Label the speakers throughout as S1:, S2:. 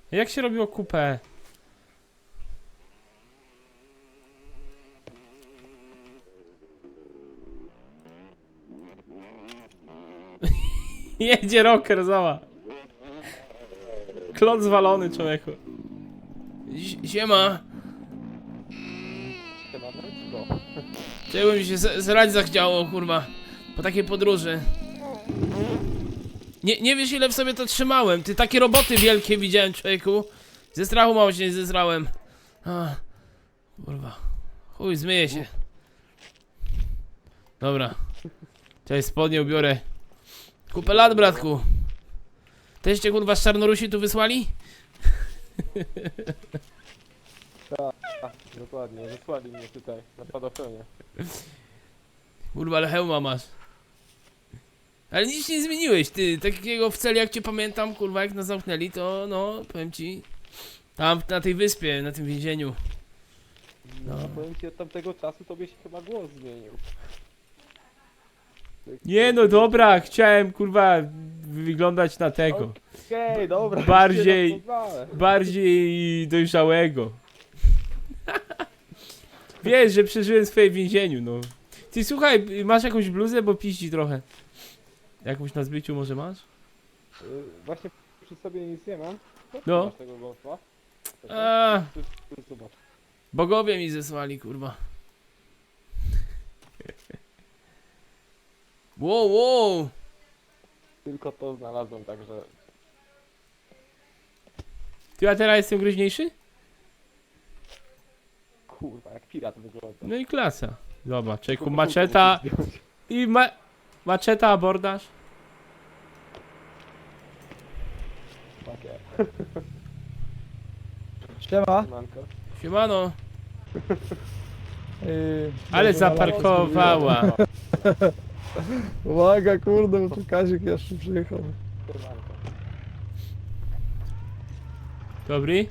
S1: Jak się robiło kupę? Jedzie rocker, zała. Klot zwalony, człowieku. Siema. Czego mi się zrać zachciało, kurwa. Po takiej podróży. Nie wiesz, ile w sobie to trzymałem. Ty, takie roboty wielkie widziałem, człowieku. Ze strachu mało się nie zezrałem. Kurwa. Chuj, zmyję się. Dobra. Cześć, spodnie ubiorę. Kupę lat, bratku. Też cię, kurwa, z Czarnorusi tu wysłali?
S2: Tak, dokładnie, wysłali mnie tutaj, na spadochronie.
S1: Kurwa, ale hełma masz. Ale nic nie zmieniłeś, ty. Takiego w celi, jak cię pamiętam, kurwa, jak nas zamknęli, to no, powiem ci. Tam, na tej wyspie, na tym więzieniu.
S2: No, powiem ci, od tamtego czasu tobie się chyba głos zmienił.
S1: Nie no, dobra, chciałem, kurwa, wyglądać na tego.
S2: Okej, dobra.
S1: Bardziej-
S2: już cię rozpoznałem.
S1: Bardziej dojrzałego. Wiesz, że przeżyłem swoje w więzieniu, no. Ty, słuchaj, masz jakąś bluzę, bo piździ trochę. Jakąś na zbyciu może masz?
S2: Właśnie przy sobie nic nie mam.
S1: No.
S2: Masz tego golfa?
S1: A,
S2: Zobacz.
S1: bogowie mi zesłali, kurwa. Wow, wow.
S2: Tylko to znalazłem, także...
S1: Ty, a teraz jestem groźniejszy?
S2: Kurwa, jak pirat wygląda.
S1: No i klasa. Zobacz, czeku,
S2: Tylko
S1: maczeta
S2: muszę zdjąć.
S1: i maczeta, abordaż.
S2: Takie.
S3: Siema.
S2: Siemanko.
S1: Siemano. Ale
S3: Dobrze,
S1: zaparkowała.
S3: Uwaga, kurde, bo tu Kazik jeszcze przyjechał.
S2: Siemanko.
S1: Dobry?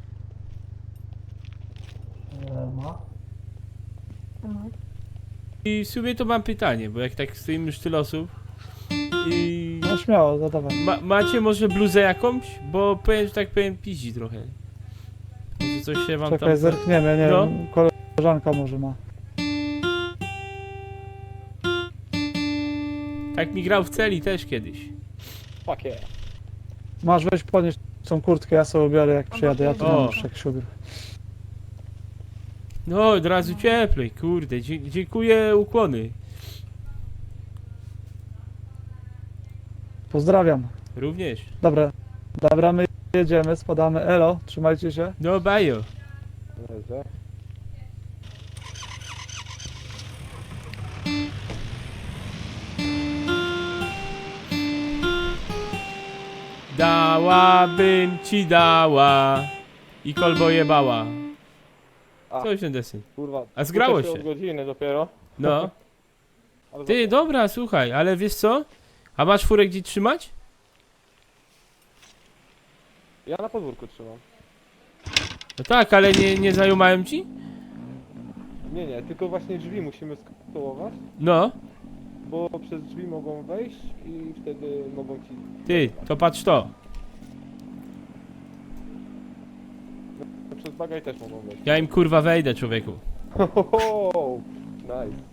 S1: I w sumie to mam pytanie, bo jak tak stoimy już tyle osób i...
S3: No śmiało, zadawaj.
S1: Macie może bluzę jakąś? Bo powiem, że tak powiem, piździ trochę. Może coś się wam
S3: Czekaj,
S1: tam...
S3: zerkniemy, nie
S1: No.
S3: wiem, koleżanka może ma.
S1: Tak mi grał w celi też kiedyś.
S2: Takie.
S3: Masz, weź podnieść tą kurtkę, ja sobie ubiorę jak przyjadę, ja tu
S1: O.
S3: nie muszę jak się ubiorę.
S1: No, od razu cieplej, kurde, dziękuję, ukłony.
S3: Pozdrawiam.
S1: Również.
S3: Dobra, my jedziemy, spadamy, elo, trzymajcie się.
S1: No, bajo.
S2: Dobrze.
S1: Dałabym ci dała i kolbo jebała.
S2: A.
S1: Coś ten deseń.
S2: Kurwa.
S1: A zgrało
S2: uczę
S1: się.
S2: od godziny dopiero.
S1: No.
S2: Ale
S1: Ty, dobra, słuchaj, ale wiesz co? A masz furę gdzie trzymać?
S2: Ja na podwórku trzymam.
S1: No tak, ale nie zajumałem ci?
S2: Nie, tylko właśnie drzwi musimy skołować,
S1: No.
S2: bo przez drzwi mogą wejść i wtedy mogą ci...
S1: Ty, to patrz to.
S2: Przez bagaj też mogą wejść.
S1: Ja im kurwa wejdę, człowieku.
S2: Hohoho! Nice.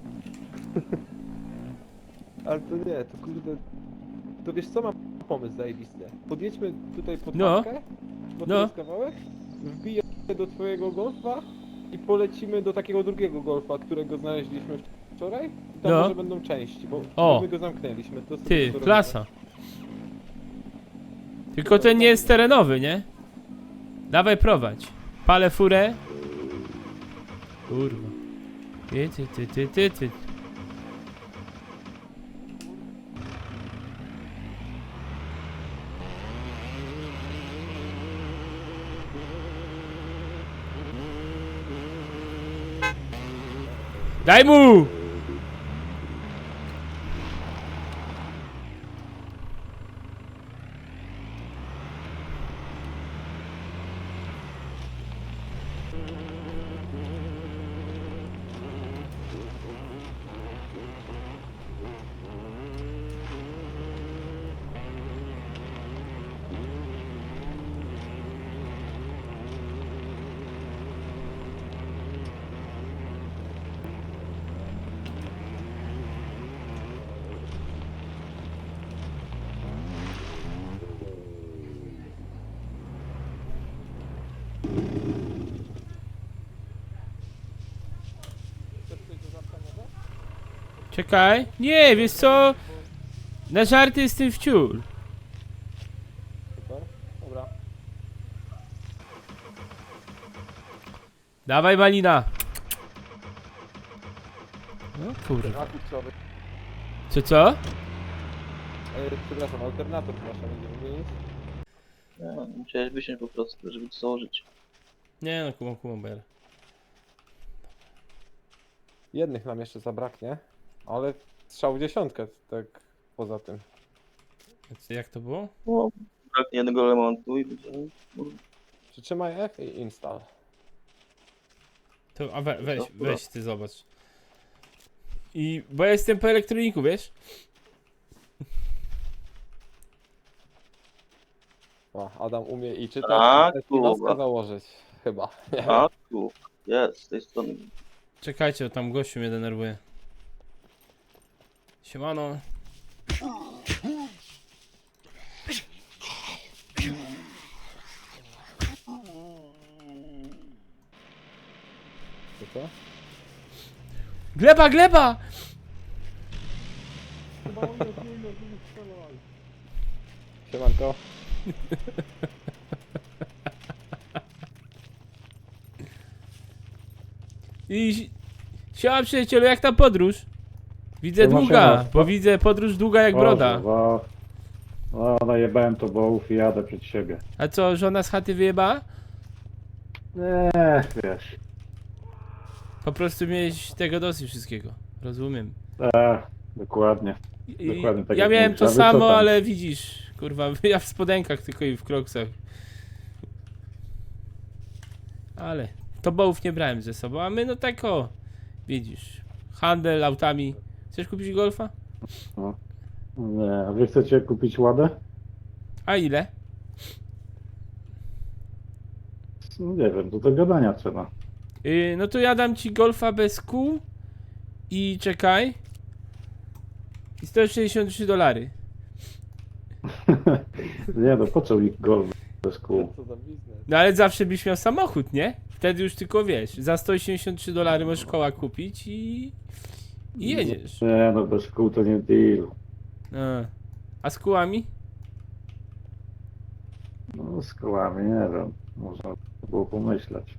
S2: Ale to nie, to kurde... To wiesz co, mam pomysł zajebisty. Podjedźmy tutaj pod
S1: No.
S2: matkę, bo to
S1: No.
S2: jest kawałek, wbiję do twojego golfa i polecimy do takiego drugiego golfa, którego znaleźliśmy wczoraj. I tam
S1: No.
S2: może będą części, bo
S1: O.
S2: my go zamknęliśmy. To sobie
S1: Ty,
S2: to robimy.
S1: klasa. Tylko ten nie jest terenowy, nie? Dawaj prowadź. Palę furę. Kurwa. Ty. Daj mu! Czekaj. Nie, wiesz co? Na żarty jestem wciul.
S2: Super. Dobra.
S1: Dawaj malina. No kurwa.
S2: Akurat trzeba wy...
S1: Co?
S2: Przepraszam, alternator masz, a nie wymienić?
S4: Nie, musiałeś wysiąść po prostu, żeby to założyć.
S1: Nie no, kumam, ber.
S2: Jednych nam jeszcze zabraknie, ale strzał w dziesiątkę, tak poza tym.
S1: Jak to było?
S4: O, braknie jednego elementu i będzie...
S2: Przytrzymaj F i install.
S1: To, a weź ty zobacz. Bo ja jestem po elektroniku, wiesz?
S2: O, Adam umie i czytać,
S4: Tak,
S2: i noskę
S4: kurwa.
S2: założyć. Chyba. Nie.
S4: A, tu, jest, z tej strony.
S1: Czekajcie, bo tam gościu mnie denerwuje. Siemano.
S2: To co?
S1: Gleba!
S2: Siemanko.
S1: Siema przyjacielu, jak ta podróż? Widzę
S3: Siema,
S1: długa,
S3: siema.
S1: bo widzę podróż długa jak broda.
S3: Boże, no najebałem to bołów i jadę przed siebie.
S1: A co, żona z chaty wyjebała?
S3: Nie, wiesz.
S1: Po prostu miałeś tego dosyć wszystkiego. Rozumiem.
S3: Dokładnie. Dokładnie tak
S1: Ja
S3: jak
S1: miałem
S3: mówisz.
S1: to
S3: A wy co
S1: samo,
S3: tam?
S1: ale widzisz, kurwa, ja w spodenkach tylko i w kroksach. Ale to bołów nie brałem ze sobą, a my no tak o, widzisz, handel autami. Chcesz kupić golfa?
S3: Nie, a wy chcecie kupić ładę?
S1: A ile?
S3: No nie wiem, do gadania trzeba.
S1: No to ja dam ci golfa bez kół i czekaj. I $163.
S3: Nie no, po co mi golf bez kół?
S2: Co za biznes?
S1: No ale zawsze byś miał samochód, nie? Wtedy już tylko wiesz, za $183 możesz koła kupić i jedziesz.
S3: Nie no, bez kół to nie deal.
S1: A z kółami?
S3: No z kołami, nie wiem. Można było pomyśleć.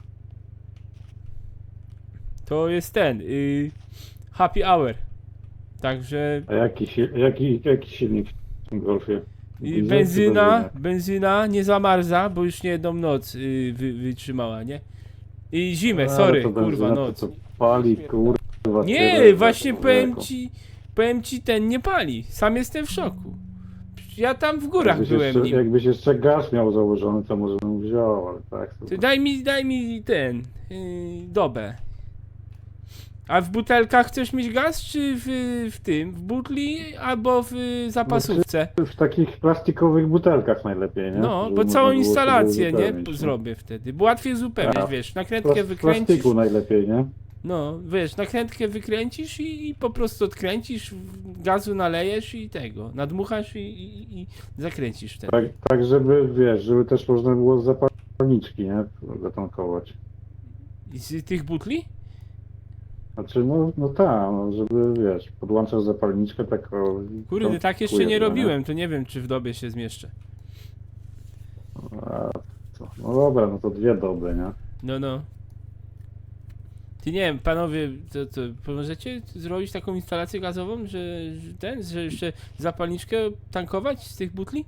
S1: To jest ten, happy hour. Także
S3: A jaki silnik w tym golfie? Diesel czy
S1: benzyna nie zamarza, bo już nie jedną noc wytrzymała, nie? I zimę,
S3: Ale
S1: sorry,
S3: to
S1: kurwa,
S3: benzyna
S1: noc.
S3: To pali, kurwa.
S1: Nie,
S3: tyle,
S1: właśnie
S3: człowieku.
S1: powiem ci, ten nie pali. Sam jestem w szoku. Ja tam w górach
S3: Jakbyś
S1: byłem
S3: jeszcze,
S1: nim.
S3: jakbyś jeszcze gaz miał założony, to może bym wziął, ale tak. To...
S1: Ty daj mi ten, dobę. A w butelkach chcesz mieć gaz, czy w tym, w butli, albo w zapasówce?
S3: W takich plastikowych butelkach najlepiej, nie?
S1: No,
S3: Żeby
S1: bo
S3: można
S1: całą
S3: było
S1: instalację,
S3: sobie
S1: nie?
S3: wypełnić, no.
S1: Zrobię wtedy. Bo łatwiej uzupełniać,
S3: Tak.
S1: wiesz, nakrętkę
S3: W
S1: wykręcisz.
S3: plastiku najlepiej, nie?
S1: No, wiesz, nakrętkę wykręcisz i po prostu odkręcisz, gazu nalejesz i tego, nadmuchasz i zakręcisz wtedy.
S3: Tak, żeby, wiesz, żeby też można było z zapalniczki, nie? Zatankować.
S1: I z tych butli?
S3: Znaczy, no tak, no, żeby, wiesz, podłączasz zapalniczkę tak o...
S1: Kurde,
S3: to
S1: tak jeszcze
S3: kupujesz,
S1: nie
S3: no,
S1: robiłem, to nie wiem, czy w dobie się zmieszczę.
S3: A, no dobra, no to 2 doby, nie?
S1: No. Ty nie wiem, panowie, to pomożecie zrobić taką instalację gazową, że jeszcze zapalniczkę tankować z tych butli?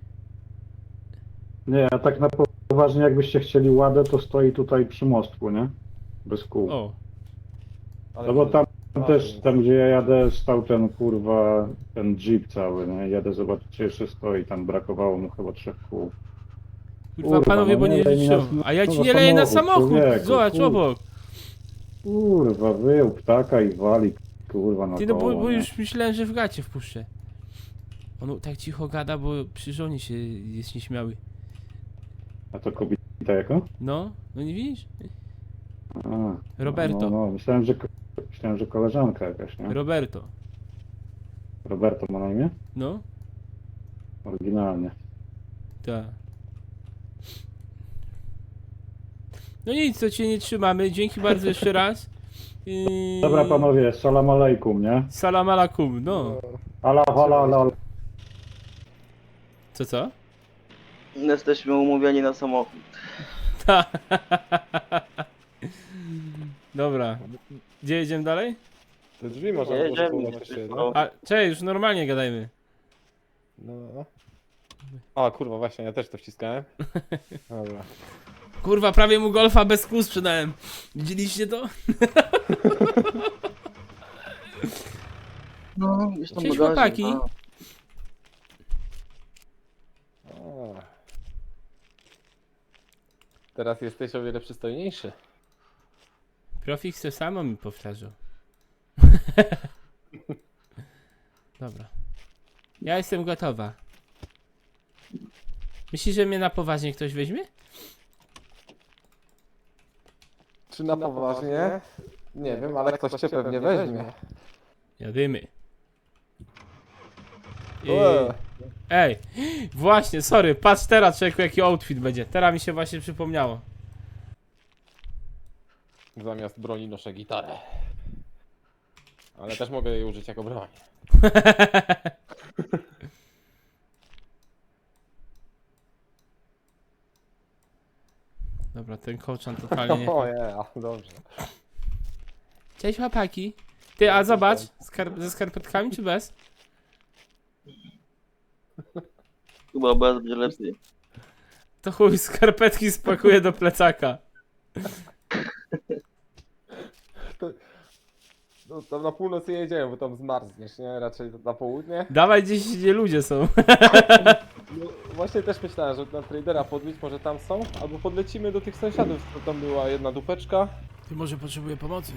S3: Nie, a tak na poważnie, jakbyście chcieli ładę, to stoi tutaj przy mostku, nie? Bez kół.
S1: O,
S2: Ale
S3: No bo tam
S2: A,
S3: też,
S2: to-
S3: tam gdzie ja jadę, stał ten kurwa, ten jeep cały, nie? Jadę zobaczyć, czy jeszcze stoi, tam brakowało mu chyba 3 kół.
S1: kurwa, panowie,
S3: no
S1: bo
S3: nie
S1: nie
S3: lej mi
S1: liczą.
S3: na-
S1: A ja
S3: no
S1: ci
S3: na
S1: nie leję na
S3: samochód,
S1: samochód,
S3: człowieku,
S1: zobacz
S3: kurwa.
S1: obok.
S3: Kurwa, wyjął ptaka i wali, kurwa, na
S1: Ty no
S3: koło,
S1: bo
S3: nie?
S1: już myślałem, że w gacie wpuszczę. On tak cicho gada, bo przy żonie się jest nieśmiały.
S3: A to kobieta jako?
S1: No nie widzisz?
S3: A,
S1: Roberto.
S3: No, myślałem, że koleżanka jakaś, nie?
S1: Roberto.
S3: Roberto ma na imię?
S1: No,
S3: Oryginalnie.
S1: tak. No nic, to cię nie trzymamy. Dzięki bardzo jeszcze raz.
S3: Dobra panowie, salam alejkum, nie?
S1: Salam alaikum, no.
S3: Ala, ala, ala.
S1: Co?
S4: Jesteśmy umówieni na samochód.
S1: Dobra. Gdzie jedziemy dalej?
S2: Te drzwi można
S4: Nie, jedziemy,
S2: rozkładać jeszcze jedno.
S4: no.
S1: A, cześć, już normalnie gadajmy.
S2: No. A kurwa, właśnie, ja też to wciskałem. Dobra.
S1: Kurwa, prawie mu golfa bez kół sprzedałem. Widzieliście to?
S4: No, gdzieś tam
S1: Cześć,
S4: bagażnik,
S1: chłopaki.
S4: a.
S2: A. Teraz jesteś o wiele przystojniejszy.
S1: Profix to samo mi powtarzał. Dobra. Ja jestem gotowa. Myślisz, że mnie na poważnie ktoś weźmie?
S2: Czy na poważnie? Nie wiem, ale ktoś cię pewnie weźmie.
S1: Jadymy.
S2: Eee.
S1: Ej, właśnie, sorry, patrz teraz, człowieku, jaki outfit będzie. Teraz mi się właśnie przypomniało.
S2: Zamiast broni noszę gitarę. Ale też mogę jej użyć jako broń.
S1: Dobra, ten kołczan totalnie nie...
S2: O dobrze.
S1: Cześć, chłopaki. Ty, a zobacz, ze skarpetkami czy bez?
S4: Chyba bez będzie lepiej.
S1: To chuj, skarpetki spakuję do plecaka.
S2: No, tam na północ nie jedziemy, bo tam zmarzniesz, nie? Raczej na południe.
S1: Dawaj gdzieś, gdzie ludzie są.
S2: No, właśnie też myślałem, że na tradera podbić, może tam są, albo podlecimy do tych sąsiadów, co tam była jedna dupeczka.
S1: Ty może potrzebuje pomocy.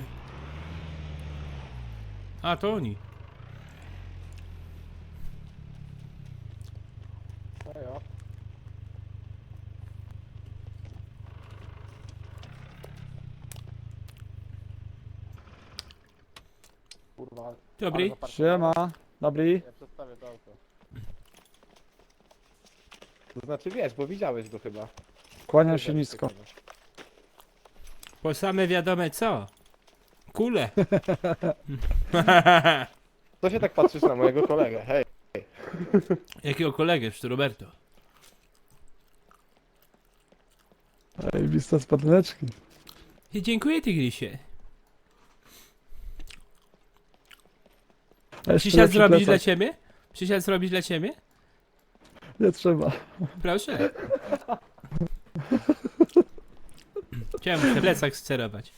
S1: A, to oni.
S2: No ja. Kurwa.
S1: Dobry.
S2: ale zaparkowane.
S5: Siema, dobry.
S2: Ja przedstawię to auto. To znaczy wiesz, bo widziałeś go chyba.
S5: Kłaniam się nisko.
S1: Po same wiadome co? Kule.
S2: Co się tak patrzysz na mojego kolegę? Hej.
S1: Jakiego kolegę, czy to Roberto?
S5: Ej, lista z padleczki.
S1: Dziękuję, Tygrysie.
S5: A jeszcze
S1: Przysiad
S5: lepszy
S1: zrobić dla
S5: plecak.
S1: ciebie? Przysiad zrobić dla ciebie?
S5: Nie trzeba.
S1: Proszę. Chciałem muszę plecak scerować.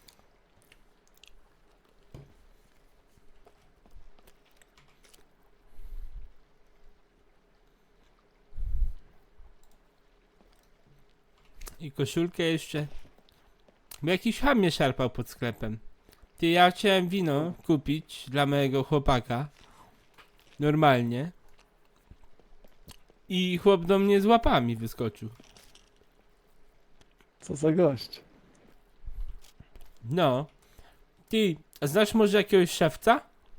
S1: I koszulkę jeszcze. Bo jakiś ham mnie szarpał pod sklepem. Ty, ja chciałem wino kupić dla mojego chłopaka. Normalnie. I chłop do mnie z łapami wyskoczył.
S5: Co za gość.
S1: No. Ty, a znasz może jakiegoś szewca?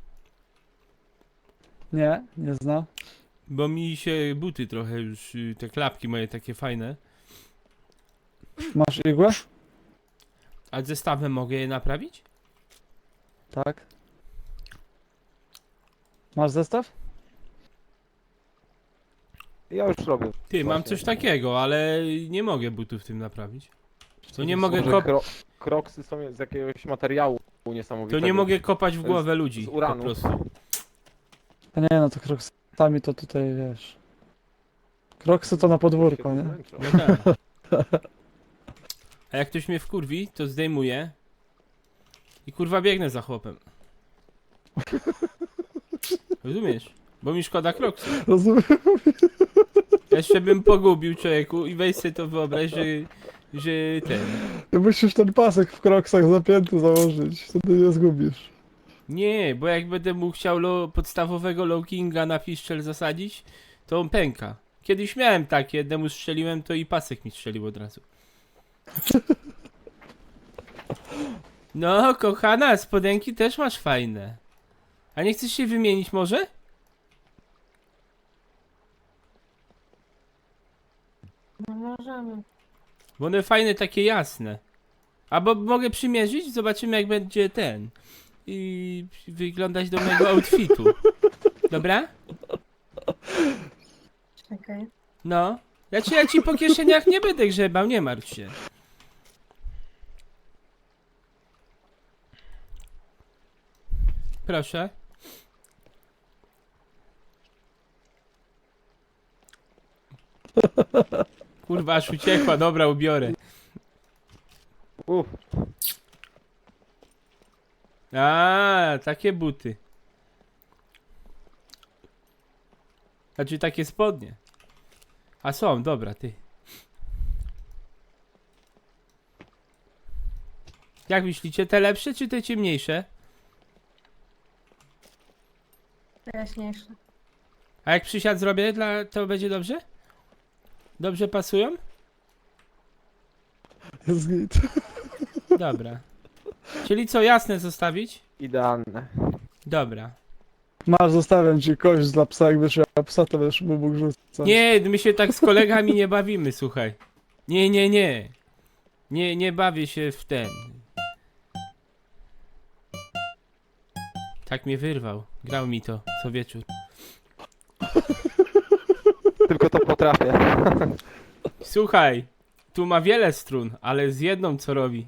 S5: Nie, nie znam.
S1: Bo mi się buty trochę już, te klapki moje takie fajne.
S5: Masz igłę?
S1: A zestawem mogę je naprawić?
S5: Tak. Masz zestaw?
S2: Ja już robię.
S1: Ty, mam
S2: Właśnie.
S1: coś takiego, ale nie mogę butów tym naprawić. To nie mogę,
S2: Może kroksy są z jakiegoś materiału niesamowitego.
S1: to nie mogę kopać w
S2: To
S1: głowę
S2: jest
S1: ludzi.
S2: z
S1: Po
S2: uranu.
S1: prostu.
S5: A nie, no to kroksami to tutaj wiesz. Kroksy to na podwórko, nie?
S1: No tak. A jak ktoś mnie wkurwi, to zdejmuję i kurwa biegnę za chłopem. Rozumiesz? Bo mi szkoda kroksy.
S5: Rozumiem.
S1: Jeszcze bym pogubił człowieku i weź sobie to wyobraź, że ten...
S5: Musisz ten pasek w kroksach zapięty założyć, wtedy nie zgubisz.
S1: Nie, bo jak będę mu chciał podstawowego low kinga na piszczel zasadzić, to on pęka. Kiedyś miałem takie, jednemu strzeliłem, to i pasek mi strzelił od razu. No, kochana, spodenki też masz fajne. A nie chcesz się wymienić może?
S6: No możemy.
S1: Bo one fajne, takie jasne. Albo mogę przymierzyć, zobaczymy jak będzie ten. I wyglądać do mojego outfitu. Dobra?
S6: Czekaj.
S1: No. Ja ci po kieszeniach nie będę grzebał, nie martw się. Proszę. Kurwa, aż uciekła, dobra, ubiorę.
S2: Uff,
S1: A, takie buty. Znaczy takie spodnie. A są, dobra, ty. Jak myślicie, te lepsze czy te ciemniejsze?
S6: Jaśniejsze.
S1: A jak przysiad zrobię, to będzie dobrze? Dobrze pasują?
S5: Jest git.
S1: Dobra. Czyli co, jasne zostawić?
S2: idealne.
S1: Dobra.
S5: Masz, zostawiam ci kość dla psa, jak będziesz miał psa, to będziesz mu mógł rzucać.
S1: Nie, my się tak z kolegami nie bawimy, słuchaj. Nie. Nie bawię się w ten. Tak mnie wyrwał. Grał mi to co wieczór.
S2: Tylko to potrafię.
S1: Słuchaj, tu ma wiele strun, ale z jedną co robi.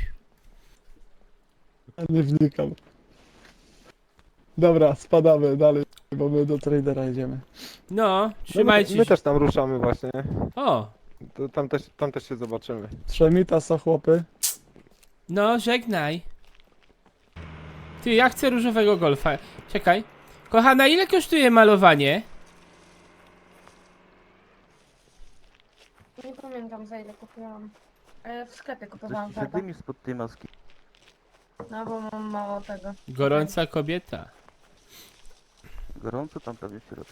S5: Nie wnikam. Dobra, spadamy dalej, bo my do tradera idziemy.
S1: No, trzymajcie
S2: My
S1: się.
S2: też tam ruszamy właśnie.
S1: O,
S2: To tam też się zobaczymy.
S5: Trzemita, są chłopy.
S1: no żegnaj. Ty, ja chcę różowego golfa. Czekaj. Kochana, ile kosztuje malowanie?
S6: Nie pamiętam za ile kupiłam. W sklepie kupowałam
S4: Coś
S6: farbę.
S4: mi spod tej maski.
S6: No bo mam mało tego.
S1: Gorąca kobieta.
S4: Gorąco tam prawie w środku.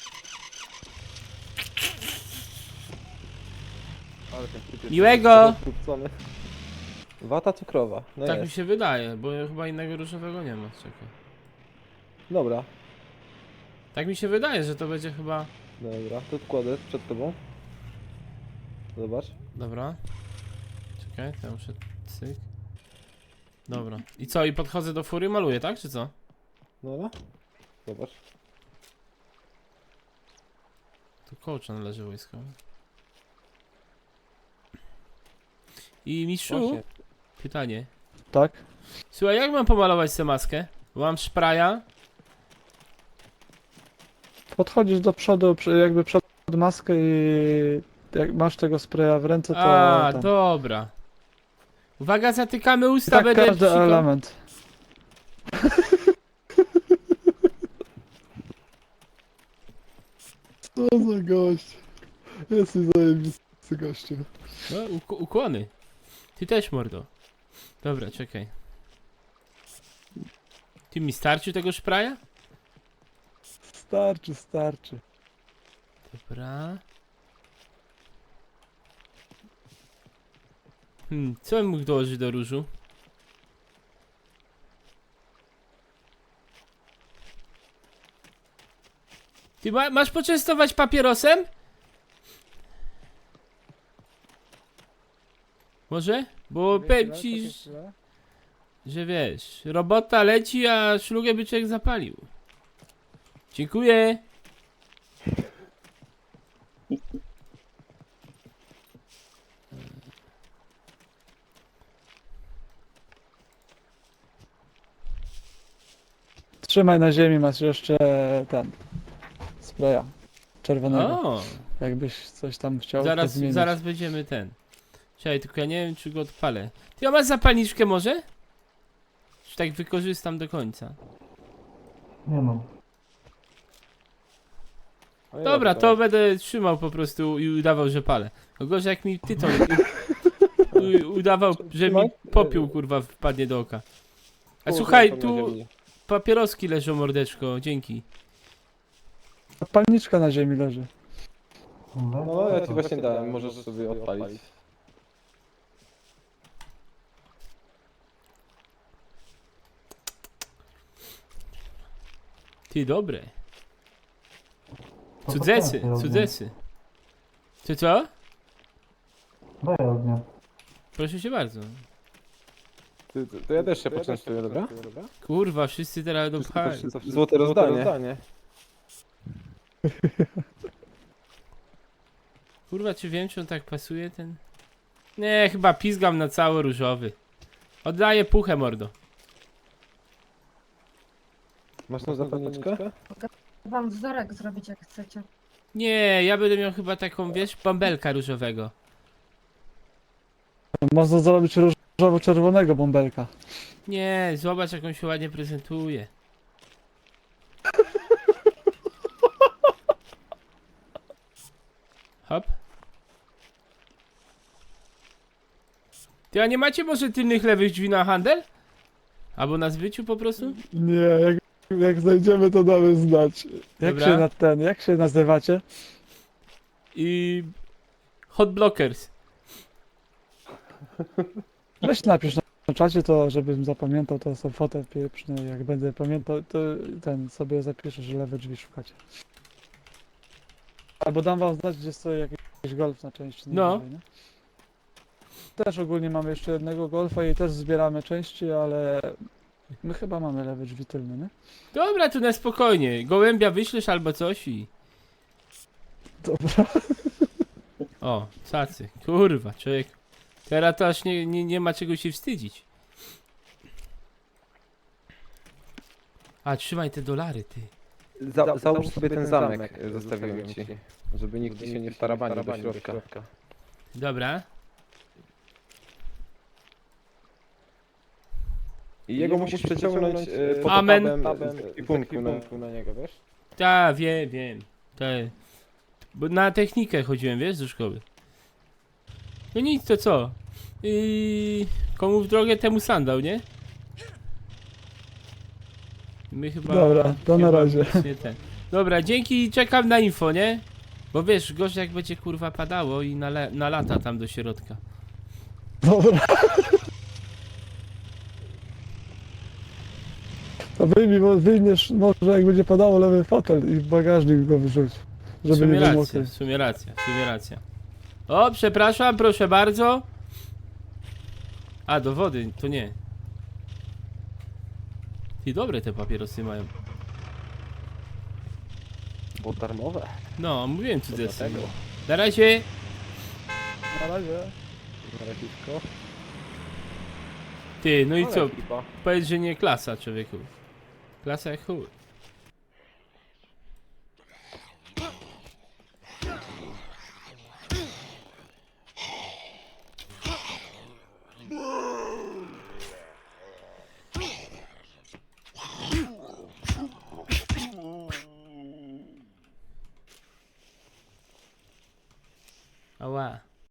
S2: Ale ten typ jest
S1: Miłego!
S2: rozrzucony. Wata cukrowa. No
S1: Tak mi
S2: jest.
S1: się wydaje, bo chyba innego różowego nie ma. Czekaj.
S2: Dobra.
S1: Tak mi się wydaje, że to będzie chyba...
S2: Dobra, to kładę przed tobą. Zobacz.
S1: Dobra. Czekaj, to ja muszę... Cyk. Dobra. I co, i podchodzę do fury, maluję, tak, czy co?
S2: Dobra. Zobacz.
S1: Tu kołczan leży wojskowy. I mistrzu,
S2: Właśnie.
S1: pytanie.
S5: Tak?
S1: Słuchaj, jak mam pomalować tę maskę? Bo mam szpraja.
S5: Podchodzisz do przodu, jakby przed maskę i jak masz tego spraya w ręce, to
S1: A,
S5: ten.
S1: dobra. Uwaga, zatykamy
S5: I
S1: usta,
S5: tak
S1: będę
S5: każdy
S1: psiko-
S5: element. Co za gość. Jesteś zajebisty gościu.
S1: No, ukłony. Ty też, mordo. Dobra, czekaj. Ty mi starczy tego szpraja?
S5: Starczy.
S1: Dobra. Co bym mógł dołożyć do różu? Ty masz poczęstować papierosem? Może? Bo powiem ci, że wiesz, robota leci, a szlugę by człowiek zapalił. Dziękuję.
S5: Trzymaj na ziemi, masz jeszcze ten spraya czerwonego.
S1: O,
S5: Jakbyś coś tam chciał to
S1: zaraz,
S5: zmienić.
S1: zaraz będziemy ten. Czekaj, tylko ja nie wiem, czy go odpalę. Ty, a masz zapalniczkę może? Czy tak wykorzystam do końca?
S5: Nie mam.
S2: No i
S1: Dobra,
S2: dobra,
S1: to będę trzymał po prostu i udawał, że palę. No gorzej jak mi tytoń udawał, że mi
S2: Trzymaj.
S1: popiół kurwa wpadnie do oka. A
S2: Połóż
S1: słuchaj,
S2: ręką na
S1: tu
S2: ziemi.
S1: papieroski leżą, mordeczko, dzięki.
S5: Palniczka na ziemi leży.
S2: No ja ci właśnie dałem, możesz sobie odpalić.
S1: Ty, dobre. Cudzesy. Ty co?
S5: Daj ognia.
S1: Proszę cię bardzo.
S2: To ja też się poczęstuję, dobra?
S1: Kurwa, wszyscy teraz do pchali.
S2: Złote rozdanie.
S1: Kurwa, czy wiem, czy on tak pasuje, ten... Nie, chyba pizgam na cały różowy. Oddaję puchę, mordo.
S2: Masz tą zapalniczkę?
S6: Wam wzorek zrobić jak chcecie.
S1: Nie, ja będę miał chyba taką, wiesz, bąbelka różowego.
S5: Można zrobić różowo-czerwonego bąbelka.
S1: Nie, zobacz, jak on się ładnie prezentuje. Hop. Ty, a nie macie może tylnych lewych drzwi na handel? Albo na zbyciu po prostu?
S5: Nie, jak znajdziemy, to damy znać.
S1: Dobra.
S5: Jak się nazywacie?
S1: I... Hot blockers.
S5: Weź napisz na czacie to, żebym zapamiętał, to są fotę pieprzne. Jak będę pamiętał, to ten sobie zapiszę, że lewe drzwi szukacie. Albo dam wam znać, gdzie stoi jakiś golf na części.
S1: No.
S5: Nie? Też ogólnie mamy jeszcze jednego golfa i też zbieramy części, ale my chyba mamy lewe drzwi tylne, nie?
S1: Dobra, tu na spokojnie. Gołębia wyślesz albo coś i...
S5: Dobra.
S1: O, cacy. Kurwa, człowiek. Teraz to aż nie ma czego się wstydzić. A, trzymaj te dolary, ty.
S2: Załóż sobie ten zamek, zostawiłem ci. Żeby nikt ci się nie wtarabanił do środka.
S1: Dobra.
S2: I jego musisz przeciągnąć pod
S1: Amen.
S2: tabem i punktu na niego, wiesz?
S1: Tak, wiem. Bo na technikę chodziłem, wiesz, do szkoły. No nic, to co? Komu w drogę, temu sandał, nie? My chyba...
S5: Dobra, to na
S1: chyba
S5: razie.
S1: nic nie ten. Dobra, dzięki, czekam na info, nie? Bo wiesz, gorzej jak będzie kurwa padało i na lata tam do środka.
S5: Dobra. To wyjmiesz może jak będzie padało lewy fotel i w bagażnik go wyrzuć.
S1: W
S5: Żeby
S1: sumie
S5: nie był
S1: racja,
S5: mokry.
S1: w sumie racja. O, przepraszam, proszę bardzo. A, do wody, to nie. I dobre te papierosy mają.
S2: Bo darmowe.
S1: No, mówiłem co to jest.
S2: Dlatego.
S1: Na razie.
S5: Na razie.
S2: Na razie.
S1: Ty, no i co?
S2: Ekipa.
S1: Powiedz, że nie klasa, człowieku. Klasa jak chuj.